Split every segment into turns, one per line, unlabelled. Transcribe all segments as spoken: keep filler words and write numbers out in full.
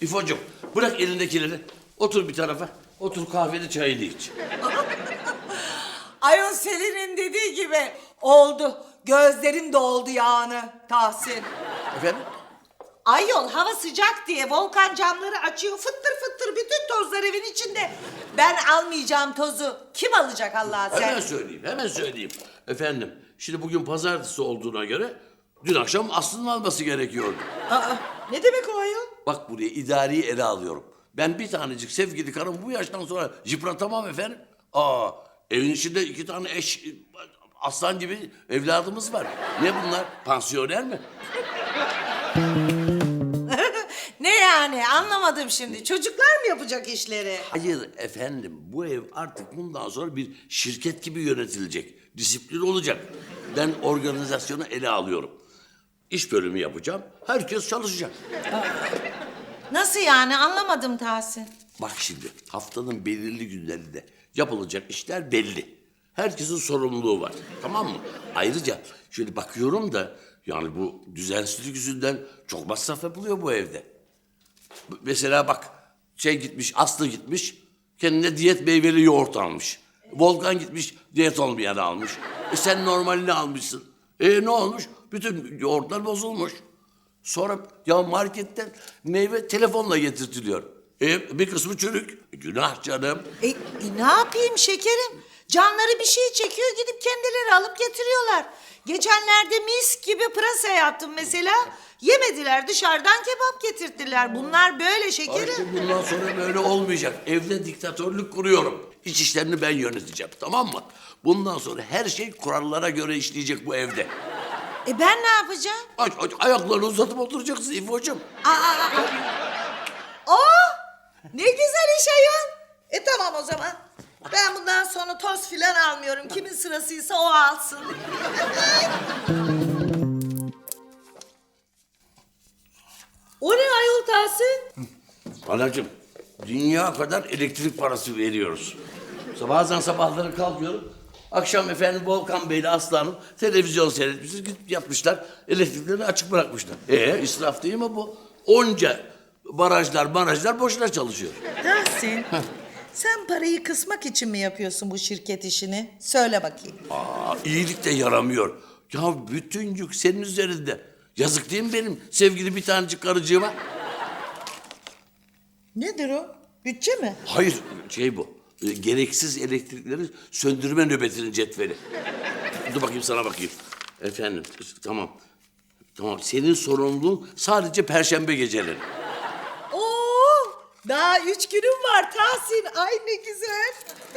İfo'cum bırak elindekileri. Otur bir tarafa. Otur kahveni çayını iç.
Ayol Selin'in dediği gibi oldu. Gözlerim doldu yani Tahsin.
Efendim?
Ayol hava sıcak diye Volkan camları açıyor. Fıttır fıttır bütün tozlar evin içinde. Ben almayacağım tozu. Kim alacak Allah'a sen?
Hemen söyleyeyim, hemen söyleyeyim. Efendim, şimdi bugün pazartesi olduğuna göre dün akşam Aslı'nın alması gerekiyordu.
Aa, ne demek o ayol?
Bak buraya idariyi ele alıyorum. Ben bir tanecik sevgili karım bu yaştan sonra yıpratamam efendim. Aa, evin içinde iki tane eş, aslan gibi evladımız var. Ne bunlar? Pansiyoner mi?
Ne yani anlamadım şimdi. Çocuklar mı yapacak işleri?
Hayır efendim, bu ev artık bundan sonra bir şirket gibi yönetilecek. Disiplin olacak. Ben organizasyonu ele alıyorum. İş bölümü yapacağım, herkes çalışacak.
Nasıl yani anlamadım Tahsin.
Bak şimdi, haftanın belirli günlerinde yapılacak işler belli. Herkesin sorumluluğu var, tamam mı? Ayrıca şöyle bakıyorum da, yani bu düzensizlik yüzünden çok masraf yapılıyor bu evde. Mesela bak, şey gitmiş, Aslı gitmiş, kendine diyet meyveli yoğurt almış. Volkan gitmiş, diyet olmayanı almış. E sen normalini almışsın. E ne olmuş? Bütün yoğurtlar bozulmuş. Sonra ya marketten meyve telefonla getirtiliyor. E bir kısmı çürük. E, günah canım.
E, e, ne yapayım şekerim? Canları bir şey çekiyor gidip kendileri alıp getiriyorlar. Geçenlerde mis gibi pırasa yaptım mesela. Yemediler dışarıdan kebap getirttiler. Bunlar böyle şekerim.
Artık bundan sonra böyle olmayacak. Evde diktatörlük kuruyorum. İç işlerini ben yöneteceğim, tamam mı? Bundan sonra her şey kurallara göre işleyecek bu evde.
E ben ne yapacağım?
Aç, aç, ayaklarını uzatıp oturacaksın İfo'cum.
Aa, aa, aa. Oh, ne güzel iş ayol. E tamam o zaman. Ben bundan sonra toz filan almıyorum. Kimin sırasıysa o alsın. O ne ayol Tahsin?
Anacığım, dünya kadar elektrik parası veriyoruz. Bazen sabahları kalkıyorum. Akşam efendim Volkan Bey'le Aslı Hanım televizyon seyretmişiz. Gidip yapmışlar. Elektriklerini açık bırakmışlar. Ee israf değil mi bu? Onca barajlar barajlar boşuna çalışıyor.
Tahsin, sen parayı kısmak için mi yapıyorsun bu şirket işini? Söyle bakayım.
Aa, iyilik de yaramıyor. Ya bütün yük senin üzerinde. Yazık değil mi benim sevgili bir tanecik karıcığıma?
Nedir o? Bütçe mi?
Hayır şey bu. e, Gereksiz elektrikleri söndürme nöbetinin cetveli. Dur bakayım sana bakayım. Efendim tamam. Tamam senin sorumluluğun sadece perşembe geceleri.
Oo, daha üç günüm var Tahsin. Ay ne güzel.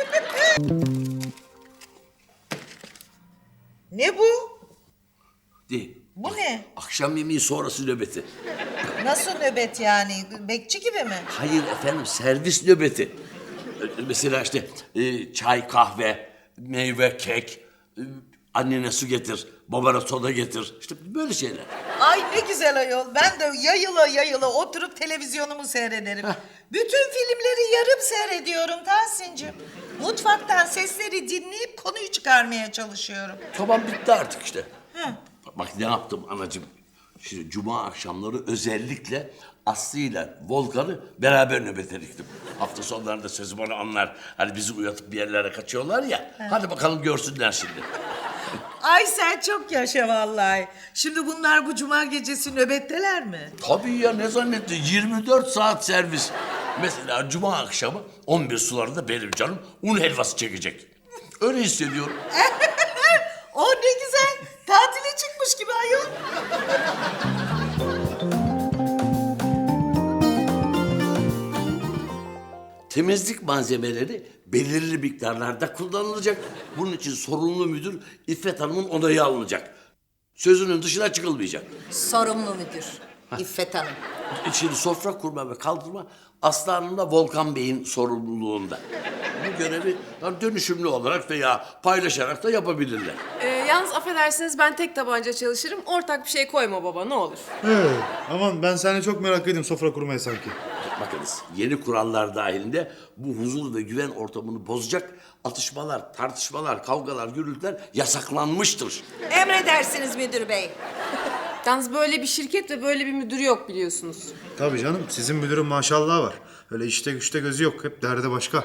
Ne bu?
De,
Bu ne?
akşam yemeği sonrası nöbeti.
Nasıl nöbet yani? Bekçi gibi mi?
Hayır efendim servis nöbeti. E, Mesela işte e, çay, kahve, meyve, kek, e, annene su getir, babana soda getir. İşte böyle şeyler.
Ay ne güzel ayol. Ben de yayıla yayıla oturup televizyonumu seyrederim. Bütün filmleri yarım seyrediyorum Tahsin'cim. Mutfaktan sesleri dinleyip konuyu çıkarmaya çalışıyorum.
Tamam bitti artık işte.
Hı.
Bak ne yaptım anacığım. Şimdi cuma akşamları özellikle Aslı ile Volkan'ı beraber nöbete diktim. Hafta sonlarında sözüm onu anlar. Hani bizi uyatıp bir yerlere kaçıyorlar ya. Hadi bakalım görsünler şimdi.
Ay sen çok yaşa vallahi. Şimdi bunlar bu cuma gecesi nöbetteler mi?
Tabii ya ne zannettin? yirmi dört saat servis. Mesela cuma akşamı on bir sularında benim canım un helvası çekecek. Öyle hissediyorum.
O ne güzel. Tatile çıkmış gibi ayol.
Temizlik malzemeleri belirli miktarlarda kullanılacak. Bunun için sorumlu müdür İffet Hanım'ın onayı alınacak. Sözünün dışına çıkılmayacak.
Sorumlu müdür İffet Hanım.
Şimdi sofra kurma ve kaldırma Aslı Hanım'la Volkan Bey'in sorumluluğunda. Bu görevi yani dönüşümlü olarak veya paylaşarak da yapabilirler.
Ee, yalnız affedersiniz ben tek tabanca çalışırım. Ortak bir şey koyma baba ne olur.
He, aman ben seni çok merak ediyorum sofra kurmaya sanki.
Bakınız yeni kurallar dahilinde bu huzur ve güven ortamını bozacak atışmalar, tartışmalar, kavgalar, gürültüler yasaklanmıştır.
Emredersiniz müdür bey.
Yalnız böyle bir şirket ve böyle bir müdür yok biliyorsunuz.
Tabii canım, sizin müdürün maşallah var. Öyle işte güçte gözü yok, hep derdi başka.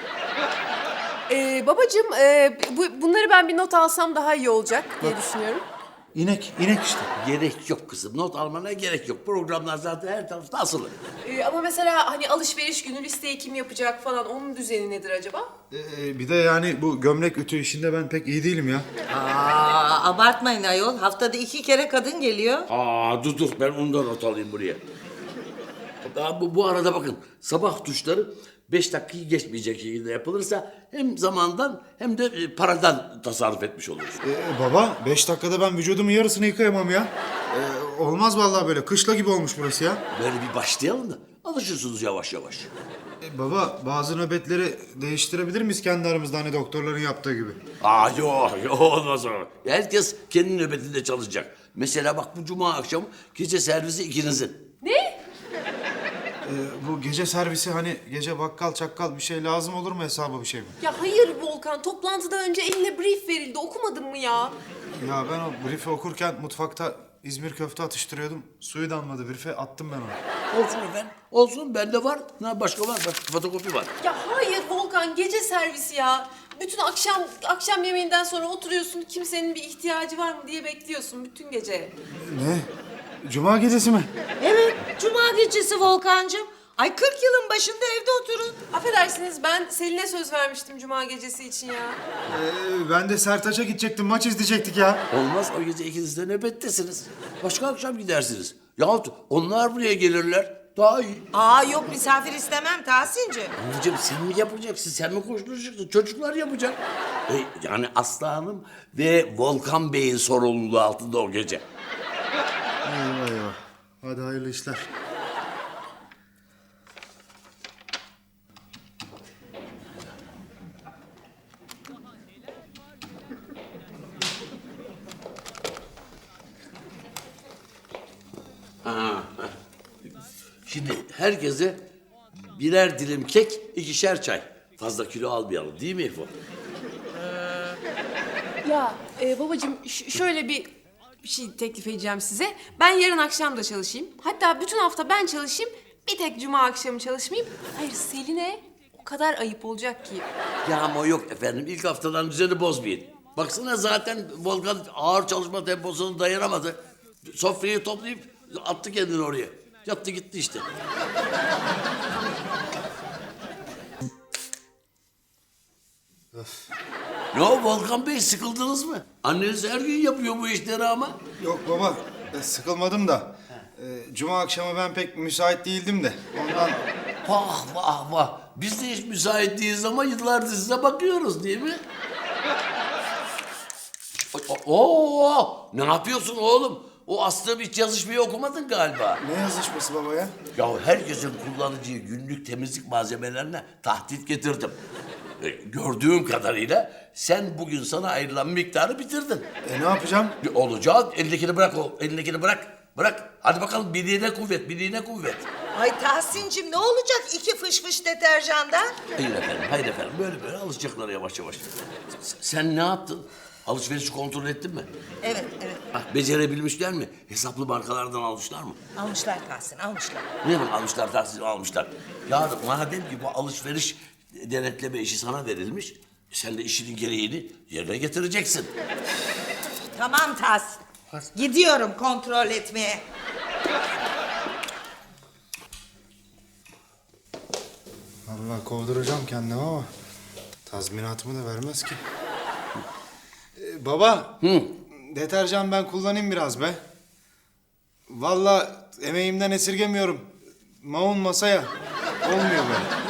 Ee, babacığım e, bu, bunları ben bir not alsam daha iyi olacak diye düşünüyorum.
İnek, inek işte.
Gerek yok kızım. Not almana gerek yok. Programlar zaten her tarafta asılı.
Ee, ama mesela hani alışveriş günü listeyi kim yapacak falan onun düzeni nedir acaba?
Ee, bir de yani bu gömlek ütü işinde ben pek iyi değilim ya.
Aa, abartmayın ayol. Haftada iki kere kadın geliyor.
Aa dur dur ben onu da not alayım buraya. Aa, bu, bu arada bakın sabah duşları beş dakikayı geçmeyecek şekilde yapılırsa hem zamandan hem de e, paradan tasarruf etmiş oluruz.
Ee, baba, beş dakikada ben vücudumun yarısını yıkayamam ya. Ee, olmaz vallahi böyle, kışla gibi olmuş burası ya.
Böyle bir başlayalım da alışırsınız yavaş yavaş.
Ee, baba, bazı nöbetleri değiştirebilir miyiz kendi aramızda, hani doktorların yaptığı gibi?
Aa yok yok olmaz o. Herkes kendi nöbetinde çalışacak. Mesela bak bu cuma akşamı gece servisi ikinizin.
Ne?
Ee, bu gece servisi, hani gece bakkal çakkal bir şey lazım olur mu, hesaba bir şey mi?
Ya hayır Volkan, toplantıdan önce eline brief verildi. Okumadın mı ya?
Ya ben o brief'i okurken mutfakta İzmir köfte atıştırıyordum. Suyu damladı brief'e, attım ben onu.
Olsun efendim. Olsun bende var. Ne başka var? Başka fotokopi var.
Ya hayır Volkan, gece servisi ya. Bütün akşam akşam yemeğinden sonra oturuyorsun, kimsenin bir ihtiyacı var mı diye bekliyorsun bütün gece.
Ne? Cuma gecesi mi?
Evet, cuma gecesi Volkancığım. Ay kırk yılın başında evde oturun.
Affedersiniz, ben Selin'e söz vermiştim cuma gecesi için ya.
Ee, ben de Sertaç'a gidecektim, maç izleyecektik ya.
Olmaz o gece ikiniz de nöbettesiniz. Başka akşam gidersiniz. Yahut onlar buraya gelirler. Daha iyi.
Aa yok misafir istemem Tahsin'cim.
Anneciğim sen mi yapacaksın? Sen mi koşturacaksın? Çocuklar yapacak. E, yani Aslı Hanım ve Volkan Bey'in sorumluluğu altında o gece.
Eyvah eyvah. Hadi hayırlı işler.
Ha. Şimdi herkese birer dilim kek, ikişer çay. Fazla kilo almayalım değil mi Efo?
Ya e, babacığım ş- şöyle bir, bir şey teklif edeceğim size. Ben yarın akşam da çalışayım. Hatta bütün hafta ben çalışayım. Bir tek cuma akşamı çalışmayayım. Hayır Selin'e o kadar ayıp olacak ki.
Ya ama yok efendim. İlk haftadan düzeni bozmayın. Baksana zaten Volkan ağır çalışma temposuna dayanamadı. Sofrayı toplayıp attı kendini oraya. Yattı gitti işte. Ne o Volkan Bey sıkıldınız mı? Anneniz her gün yapıyor bu işleri ama.
Yok baba, e, sıkılmadım da. E, Cuma akşamı ben pek müsait değildim de. Ondan...
Vah vah vah. Biz de hiç müsait değiliz ama yıllardır size bakıyoruz değil mi? Oo, ne yapıyorsun oğlum? O Aslı hiç yazışmayı okumadın galiba.
Ne yazışması baba ya?
Ya herkesin kullanacağı günlük temizlik malzemelerine tahdit getirdim. E, gördüğüm kadarıyla sen bugün sana ayrılan miktarı bitirdin.
E ne yapacağım?
Bir olacak, elindekini bırak o, elindekini bırak. Bırak. Hadi bakalım birliğine kuvvet, birliğine kuvvet.
Ay Tahsin'cim ne olacak iki fış fış deterjandan?
Hayır efendim, hayır efendim. Böyle böyle alışacaklar yavaş yavaş. S- Sen ne yaptın? Alışverişi kontrol ettin mi?
Evet evet
Ah, becerebilmişler mi? Hesaplı markalardan almışlar mı?
almışlar Tahsin almışlar.
Ne demek almışlar, tahsil almışlar? Ya madem ki bu alışveriş denetleme işi sana verilmiş, sen de işinin gereğini yerine getireceksin.
Tamam Tahsin. Gidiyorum kontrol etmeye.
Vallahi kovduracağım kendimi ama tazminatımı da vermez ki. Ee, baba,
Hı.
deterjan ben kullanayım biraz be. Vallahi emeğimden esirgemiyorum. Maun masaya. Olmuyor böyle.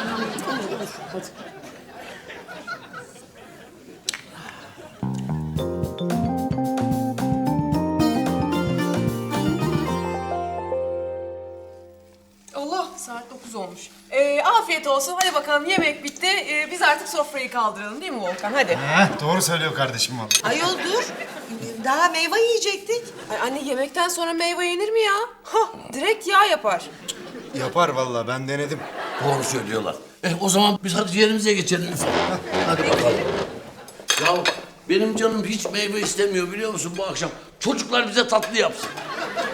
Allah, saat dokuz olmuş. Ee, afiyet olsun. Hadi bakalım yemek bitti. Ee, biz artık sofrayı kaldıralım değil mi Volkan? Hadi.
Heh, doğru söylüyor kardeşim vallahi.
Ayol dur. Daha meyve yiyecektik.
Ay anne yemekten sonra meyve yenir mi ya? Hah, direkt yağ yapar.
Yapar vallahi, ben denedim.
Doğru söylüyorlar. Eh o zaman biz hadi yerimize geçelim. Hadi bakalım. Ya benim canım hiç meyve istemiyor biliyor musun bu akşam? Çocuklar bize tatlı yapsın.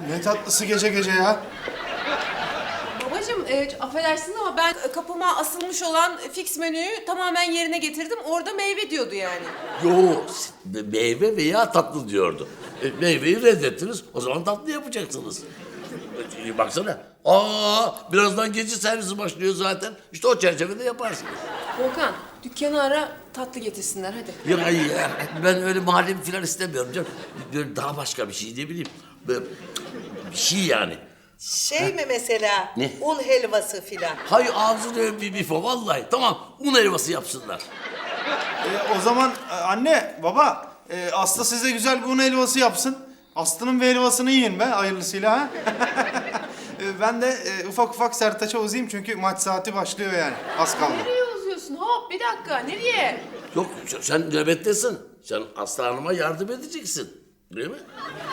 Ne tatlısı gece gece ya.
Babacığım e, affedersiniz ama ben kapıma asılmış olan fix menüyü tamamen yerine getirdim. Orada meyve diyordu yani.
Yo, meyve veya tatlı diyordu. E, meyveyi reddettiniz, o zaman tatlı yapacaksınız. E, baksana, aa birazdan gece servisi başlıyor zaten. İşte o çerçevede yaparsınız.
Volkan, dükkanı ara, tatlı getirsinler hadi.
Ya, ya ben öyle mahallim falan istemiyorum canım. Böyle daha başka bir şey, ne bileyim. Böyle bir şey yani.
Şey mi mesela?
Ne?
Un helvası filan.
Hay ağzını öpeyim bir bifo vallahi. Tamam, un helvası yapsınlar.
Ee, o zaman e, anne, baba, e, Aslı size güzel bir un helvası yapsın. Aslı'nın bir helvasını yiyin be hayırlısıyla ha. E, ben de e, ufak ufak Sertaç'a uzayayım çünkü maç saati başlıyor yani. Az kaldı.
Nereye uzuyorsun? Hop bir dakika, nereye?
Yok, sen nöbettesin. Sen Aslı Hanım'a yardım edeceksin. Değil mi?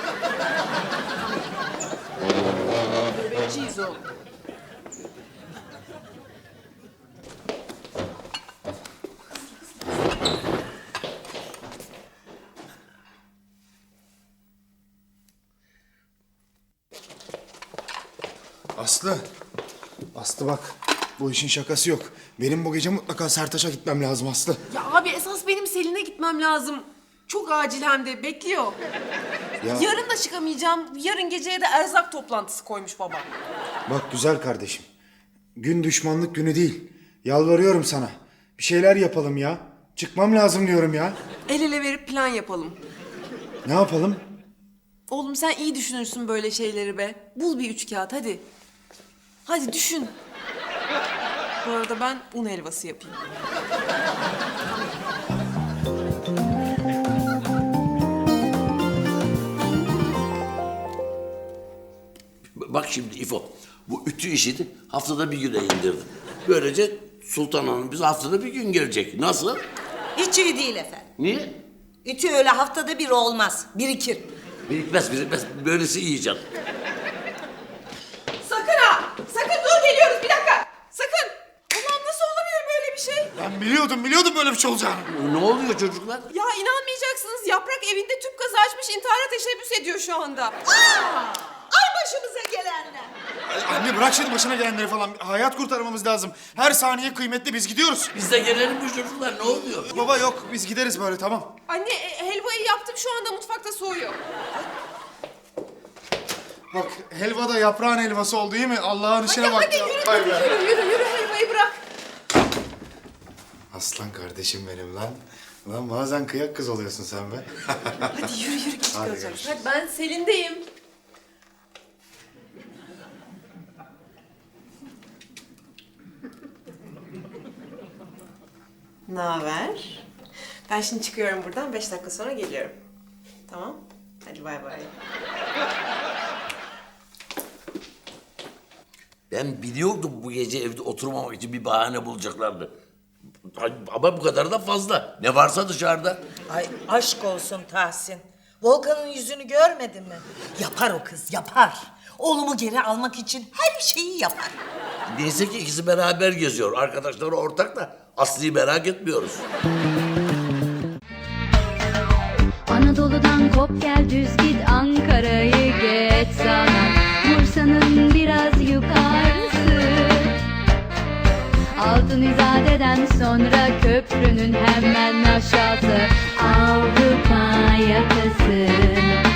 Nöbetçiyiz oğlum.
Aslı, Aslı bak, bu işin şakası yok. Benim bu gece mutlaka Sertaç'a gitmem lazım Aslı.
Ya abi esas benim Selin'e gitmem lazım. Çok acil hem de bekliyor.
Ya
Yarın da çıkamayacağım. Yarın geceye de erzak toplantısı koymuş babam.
bak güzel kardeşim, gün düşmanlık günü değil. Yalvarıyorum sana. Bir şeyler yapalım ya. Çıkmam lazım diyorum ya.
El ele verip plan yapalım.
Ne yapalım?
Oğlum sen iyi düşünürsün böyle şeyleri be. Bul bir üç kağıt hadi. Hadi düşün. Bu arada ben un helvası yapayım.
Bak şimdi İfo, bu ütü işini haftada bir güne indirdim. Böylece Sultan Hanım bize haftada bir gün gelecek. Nasıl?
Hiç iyi değil efendim.
Niye?
Ütü öyle haftada bir olmaz. Birikir.
Birikmez, birikmez. Böylesi iyi canım.
Sakın ha! Sakın dur geliyoruz bir dakika! Sakın! Ulan nasıl olabilir böyle bir şey?
Ben biliyordum, biliyordum böyle bir şey olacağını.
Ne oluyor çocuklar?
Ya inanmayacaksınız Yaprak evinde tüp gazı açmış intihara teşebbüs ediyor şu anda.
Ay başımıza gelenler.
Ay, anne bırak şimdi başına gelenleri falan. Hayat kurtarmamız lazım. Her saniye kıymetli, biz gidiyoruz.
Biz de gelelim mi çocuklar? Ne oluyor?
Baba yok, biz gideriz böyle, tamam.
Anne e, helvayı yaptım şu anda mutfakta soğuyor.
Bak helva da yaprağın helvası oldu değil mi? Allah'ın işine
Hadi
bak.
hadi
ya.
yürü,
Vay
yürü,
be.
yürü yürü yürü helvayı bırak.
Aslan kardeşim benim lan. Lan bazen kıyak kız oluyorsun sen be.
Hadi yürü yürü geç
Hadi
kalacağız.
görüşürüz.
Hadi ben Selin'deyim. Ne haber? Ben şimdi çıkıyorum buradan. Beş dakika sonra geliyorum. Tamam? Hadi bay bay.
Ben biliyordum bu gece evde oturmamak için bir bahane bulacaklardı. Ama bu kadar da fazla. Ne varsa dışarıda.
Ay aşk olsun Tahsin. Volkan'ın yüzünü görmedin mi? Yapar o kız, yapar. Oğlumu geri almak için her şeyi yapar.
Neyse ki ikisi beraber geziyor. Arkadaşları ortak da Aslı'yı merak etmiyoruz.
Anadolu'dan kop gel düz git Ankara'yı geç sana Bursa'nın biraz yukarısı Altın İzade'den sonra köprünün hemen aşağısı Avrupa yakası